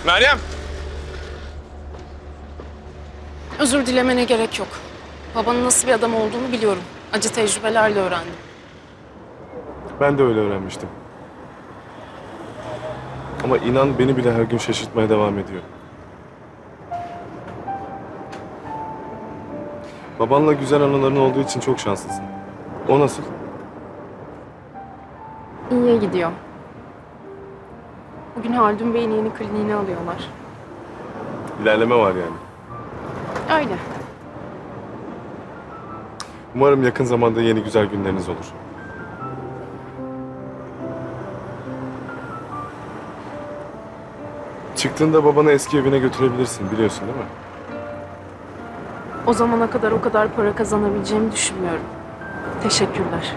Meryem! Özür dilemene gerek yok. Babanın nasıl bir adam olduğunu biliyorum. Acı tecrübelerle öğrendim. Ben de öyle öğrenmiştim. Ama inan beni bile her gün şaşırtmaya devam ediyor. Babanla güzel anıların olduğu için çok şanslısın. O nasıl? İyiye gidiyor. Bugün Haldun Bey'in yeni kliniğine alıyorlar. İlerleme var yani. Öyle. Umarım yakın zamanda yeni güzel günleriniz olur. Çıktığında babanı eski evine götürebilirsin, biliyorsun değil mi? O zamana kadar o kadar para kazanabileceğimi düşünmüyorum. Teşekkürler.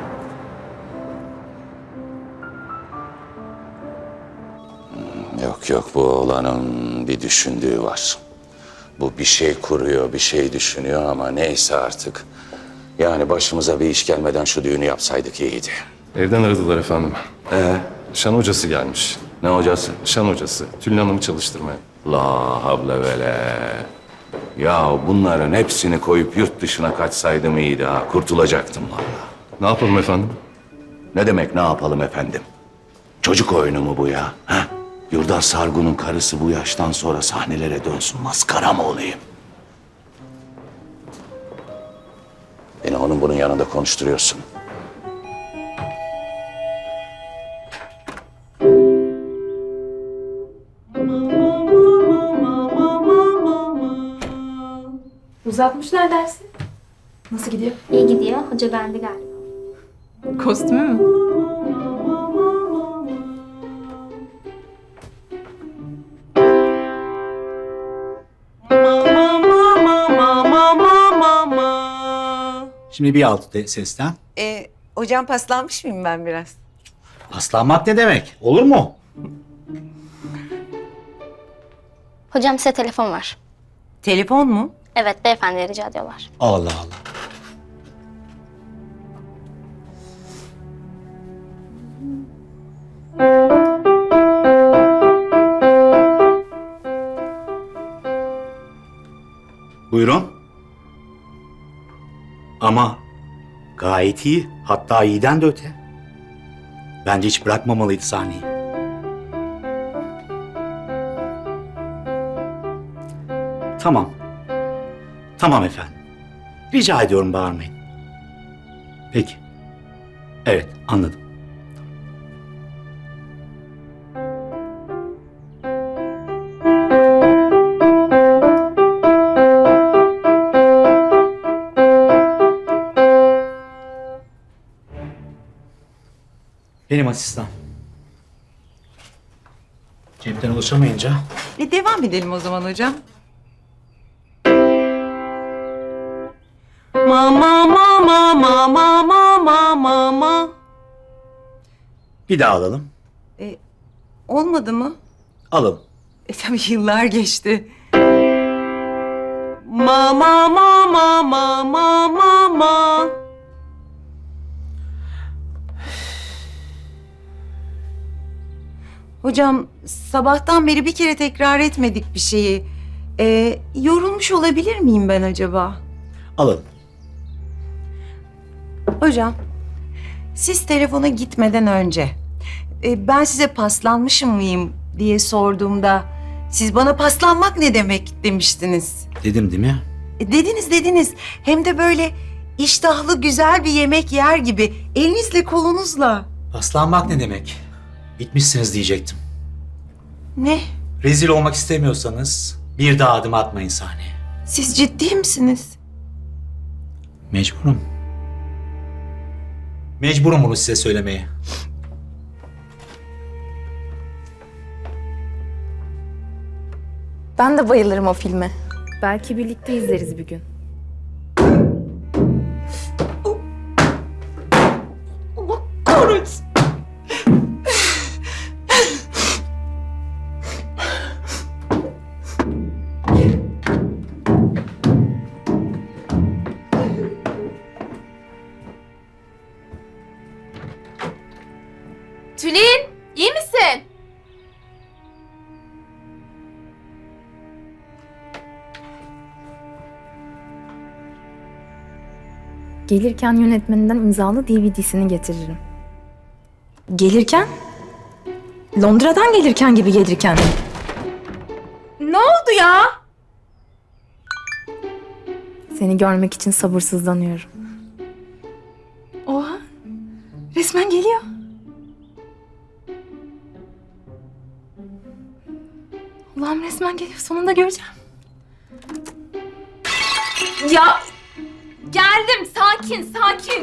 Yok bu oğlanın bir düşündüğü var. Bu bir şey kuruyor, bir şey düşünüyor ama neyse artık. Yani başımıza bir iş gelmeden şu düğünü yapsaydık iyiydi. Evden aradılar efendim. Şan hocası gelmiş. Ne hocası? Şan hocası. Tülin Hanım'ı çalıştırmaya. La havle vele. Ya bunların hepsini koyup yurt dışına kaçsaydım iyiydi ha. Kurtulacaktım vallahi. Ne yapalım efendim? Ne demek ne yapalım efendim? Çocuk oyunu mu bu ya? Ha? Yurdar Sargun'un karısı bu yaştan sonra sahnelere dönsün. Maskara mı olayım? Beni onun bunun yanında konuşturuyorsun. Uzatmışlar dersi. Nasıl gidiyor? İyi gidiyor. Hoca beğendi galiba. Kostümü mü? Şimdi bir altı sesten. Hocam paslanmış mıyım ben biraz? Paslanmak ne demek? Olur mu? Hocam size telefon var. Telefon mu? Evet beyefendi rica ediyorlar. Allah Allah. Buyurun. Ama gayet iyi. Hatta iyiden de öte. Bence hiç bırakmamalıydı sahneyi. Tamam. Tamam efendim. Rica ediyorum bağırmayın. Peki. Evet, anladım. Benim asistan. Cepten ulaşamayınca Devam edelim o zaman hocam. Mama. bir daha alalım. Olmadı mı? Alalım. Tabii yıllar geçti. Mama. Hocam sabahtan beri bir kere tekrar etmedik bir şeyi. Yorulmuş olabilir miyim ben acaba? Alalım. Hocam, siz telefona gitmeden önce ben size paslanmışım mıyım diye sorduğumda siz bana paslanmak ne demek demiştiniz. Dedim değil mi? Dediniz. Hem de böyle iştahlı güzel bir yemek yer gibi elinizle kolunuzla. Paslanmak ne demek? Bitmişsiniz diyecektim. Ne? Rezil olmak istemiyorsanız bir daha adım atmayın sahneye. Siz ciddi misiniz? Mecburum. Mecburum bunu size söylemeye. Ben de bayılırım o filme. Belki birlikte izleriz bir gün. Allah kahretsin. Tülin, iyi misin? Gelirken yönetmeninden imzalı DVD'sini getiririm. Gelirken? Londra'dan gelirken gibi gelirken. Ne oldu ya? Seni görmek için sabırsızlanıyorum. Oha! Resmen geliyor. Allah'ım resmen geliyor. Sonunda göreceğim. Ya! Geldim. Sakin, sakin.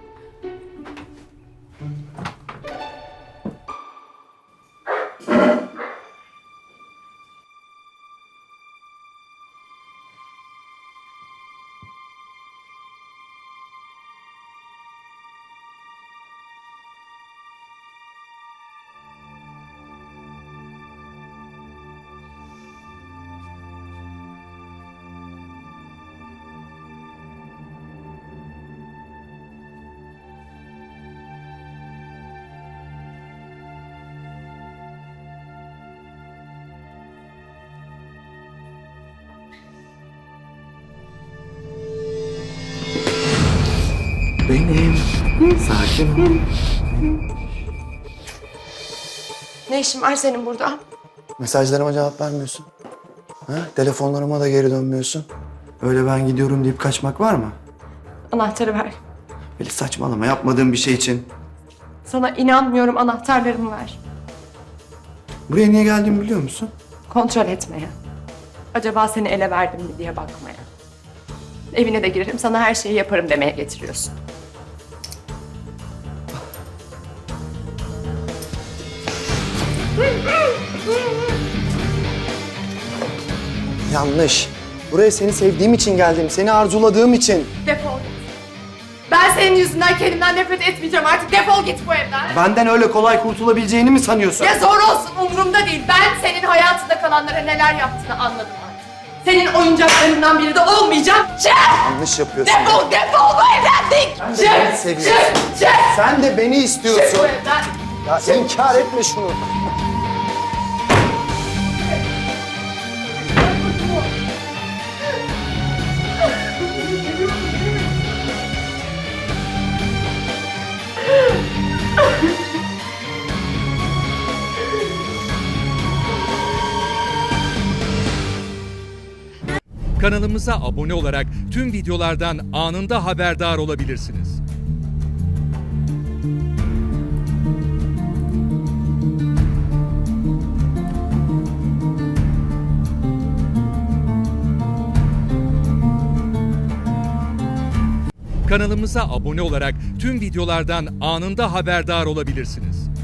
Benim. Sakin ol. Ne işin var senin burada? Mesajlarıma cevap vermiyorsun. Ha? Telefonlarıma da geri dönmüyorsun. Öyle ben gidiyorum deyip kaçmak var mı? Anahtarı ver. Böyle saçmalama, yapmadığım bir şey için. Sana inanmıyorum, anahtarlarımı ver. Buraya niye geldiğimi biliyor musun? Kontrol etmeye. Acaba seni ele verdim mi diye bakmaya. Evine de girerim, sana her şeyi yaparım demeye getiriyorsun. Yanlış. Buraya seni sevdiğim için geldim, seni arzuladığım için. Defol git. Ben senin yüzünden kendimden nefret etmeyeceğim artık. Defol git bu evden. Benden öyle kolay kurtulabileceğini mi sanıyorsun? Ya zor olsun, umurumda değil. Ben senin hayatında kalanlara neler yaptığını anladım artık. Senin oyuncaklarından biri de olmayacağım. Çık! Yanlış yapıyorsun. Defol, defol bu evden dik! Sen de beni seviyorsun. Çık! Sen de beni Çık istiyorsun. bu evden! Ya inkar etme şunu. Kanalımıza abone olarak tüm videolardan anında haberdar olabilirsiniz. Kanalımıza abone olarak tüm videolardan anında haberdar olabilirsiniz.